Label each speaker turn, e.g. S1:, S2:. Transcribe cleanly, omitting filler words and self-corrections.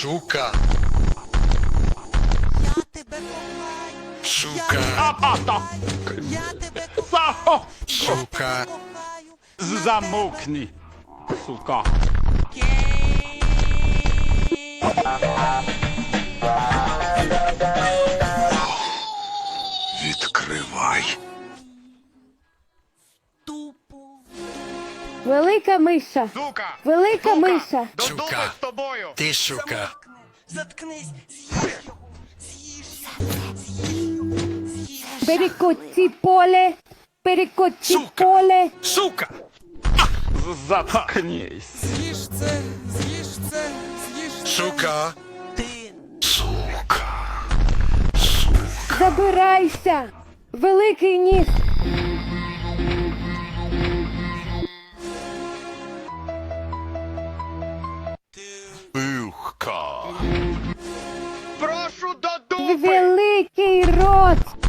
S1: Сука.
S2: Я тебе кохаю.
S1: Сука.
S2: Я тебе кохаю.
S1: Сука.
S3: Замовкни, сука.
S1: Відкривай.
S2: Тупо.
S4: Велика миша.
S3: Сука!
S4: Велика
S3: Сука!
S4: миша.
S3: Додому
S1: Сука.
S3: з тобою!
S1: Ти сука.
S2: Заткнись. З'їж його. З'їж.
S4: Перекоці поле. Перекоці
S1: Сука.
S4: поле.
S1: Сука.
S3: Заткнись.
S2: З'їж це. З'їж це. З'їж це.
S1: Сука.
S2: Ти.
S1: Сука.
S4: Забирайся. Великий ніс.
S1: Бухка.
S3: Прошу до дупи!
S4: Великий рот.